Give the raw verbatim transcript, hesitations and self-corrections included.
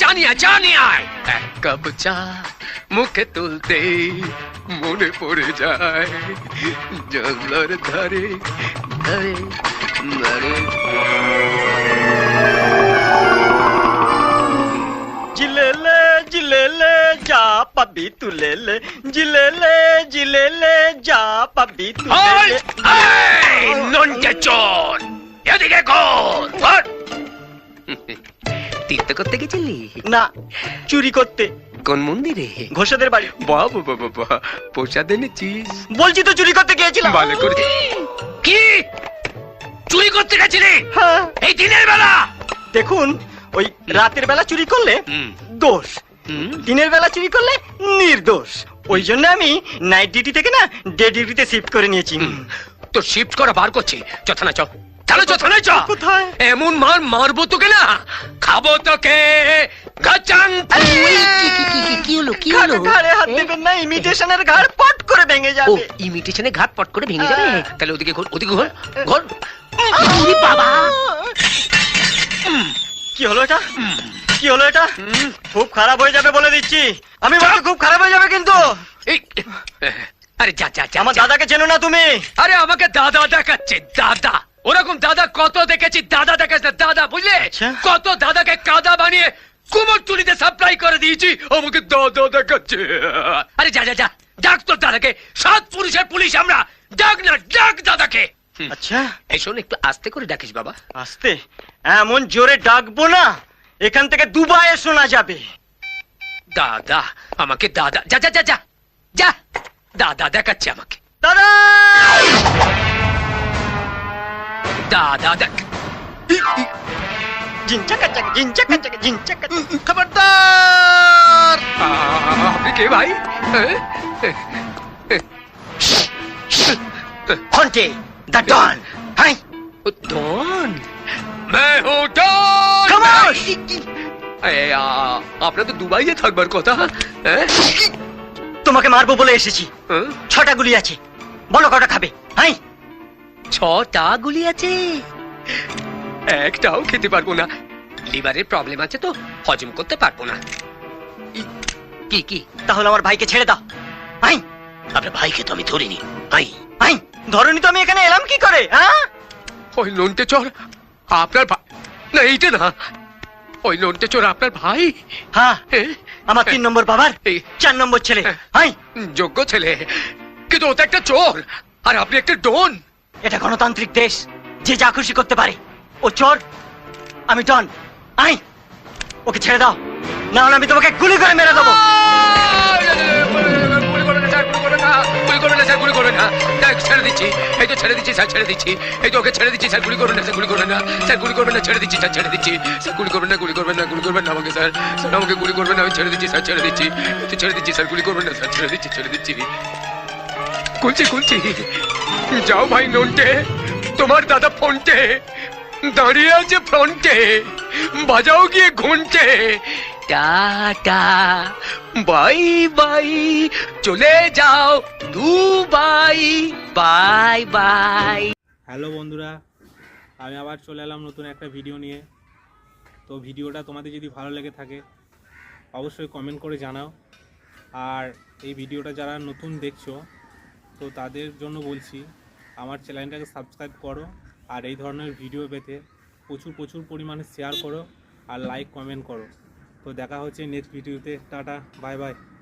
জানিয়া জানিয়া এক কাপ চা মুখে তুলতে মনে পড়ে যায় জঙ্গলের ধারে ধারে ধারে। জিলেলে জিলেলে যা পাবি তুলেলে, জিলেলে জিলেলে যা পাবি তুলেলে। নন্টে চোর এদিকে কর। তীর্থ করতে গেছিলি? না, চুরি করতে। কোন মন্দিরে? ঘোষাদের বাড়ি। বাবা বাবা বাবা, প্রসাদ এনেছিস? বলছি তো চুরি করতে গিয়েছিলাম। ভালো করে। কি চুরি করতে গেছিলি? হ্যাঁ। এই দিনের বেলা? দেখুন, ওই রাতের বেলা চুরি করলে দোষ, দিনের বেলা চুরি করলে নির্দোষ। ওই জন্য আমি নাইট ডিউটি থেকে না ডে ডিউটিতে শিফট করে নিয়েছি। তো শিফট করা বার করছি। চথানা চ, চলো চথানা চ। কোথায়? এমন মার মারবো তোকে না, খাবো তোকে। গাচাং। কি হলো কি হলো? ঘাড়ে হাত দেবেন না, ইমিটেশনের ঘাড় পট করে ভেঙে ও যাবে। ইমিটেশনে ঘাট পট করে ভেঙে যাবে? তাহলে ওদিকে ঘোর, ওদিকে ঘোর ঘোর। ওরে বাবা! কি হলো এটা? কি হলো এটা? খুব খারাপ হয়ে যাবে বলে দিচ্ছি। আমি বলছি খুব খারাপ হয়ে যাবে কিন্তু। আরে যা যা যা। আমার দাদাকে চেনো না তুমি? আরে আমাকে দাদা দেখাচ্ছে, দাদা। ওরকম দাদা কত দেখেছি, দাদা দেখাচ্ছে না, দাদা বুঝলে? কত দাদাকে কাদা বানিয়ে কুমোরটুলিতে সাপ্লাই করে দিয়েছি, আমাকে দাদা দেখাচ্ছে। আরে যা যা যা, ডাক তোর দাদাকে। সাত পুরুষের পুলিশ আমরা, ডাক না ডাক দাদাকে। আচ্ছা, এই শোন, একটু আস্তে করে ডাকিস বাবা। আস্তে? এমন জোরে ডাকবো না এখান থেকে দুবাইয়ে শোনা যাবে। দাদা, আমাকে দাদা। যা যা যা যা যা, দাদা দেখাচ্ছে আমাকে। দাদা দাদা দেখ। জিনচাকাচাক জিনচাকাচাক জিনচাকাচাক। খবরদার! আপনি কে ভাই? ফন্টে দ্য ডন। Hi Don? मैं हूँ डॉन। খামোশ! আপনার তো দুবাইয়ে থাকবার কথা। তোমাকে মারবো বলে এসেছি। ছটা গুলি আছে, বলো কটা খাবে? হাই ছটা গুলি আছে, একটাও খেতে পারবো না। লিভারের প্রবলেম আছে তো হজম করতে পারবো না। কি কি? তাহলে আমার ভাইকে ছেড়ে দাও। হাই আপনার ভাইকে তো আমি ধরিনি। ভাই হাই ধরনি তো আমি এখানে এলাম কি করে? হ্যাঁ, ওই লোনটে চোর আপনার ভাই না? এইটা না, ওই লোনটে চোর আপনার ভাই? হ্যাঁ, আমার তিন নম্বর বাবার চার নম্বর ছেলে। হাই যোগ্য ছেলে, কিন্তু ও তো একটা চোর আর আপনি একটা ডন। এটা গণতান্ত্রিক দেশ, যে যা খুশি করতে পারে। ও চোর, আমি ডন। আই ওকে ছেড়ে দাও, না হলে আমি তোমাকে গুলি করে মেরে দেবো। গুলি করবে না স্যার, গুলি করবে না, গুলি করবে না স্যার, গুলি করবে না। দেখ, ছেড়ে দিচ্ছি, এই তো ছেড়ে দিচ্ছি স্যার, ছেড়ে দিচ্ছি, এই তো ওকে ছেড়ে দিচ্ছি স্যার। গুলি করবে না স্যার, গুলি করবে না স্যার, গুলি করবে না, ছেড়ে দিচ্ছি স্যার, ছেড়ে দিচ্ছি স্যার। গুলি করবেন না, গুলি করবেন না, গুলি করবেন না আমাকে স্যার, স্যার আমাকে গুলি করবেন না, আমি ছেড়ে দিচ্ছি স্যার, ছেড়ে দিচ্ছি, তো ছেড়ে দিচ্ছি স্যার, গুলি করবেন না স্যার, ছেড়ে দিচ্ছি, ছেড়ে দিচ্ছি। খুলছি খুলছি। যাও ভাই নন্টে, তোমার দাদা ফোনটে দাঁড়িয়ে আছে ফ্রন্টে, বাজাও গিয়ে ঘন্টে। টাটা বাই বাই, চলে যাও দুবাই, বাই বাই। হ্যালো বন্ধুরা, আমি আবার চলে এলাম নতুন একটা ভিডিও নিয়ে। তো ভিডিওটা তোমাদের যদি ভালো লেগে থাকে অবশ্যই কমেন্ট করে জানাও। আর এই ভিডিওটা যারা নতুন দেখছো তো তাদের জন্য বলছি, আমার চ্যানেলটাকে সাবস্ক্রাইব করো আর এই ধরনের ভিডিও পেতে প্রচুর প্রচুর পরিমাণে শেয়ার করো আর লাইক কমেন্ট করো। তো দেখা হচ্ছে নেক্সট ভিডিওতে। Tata bye by.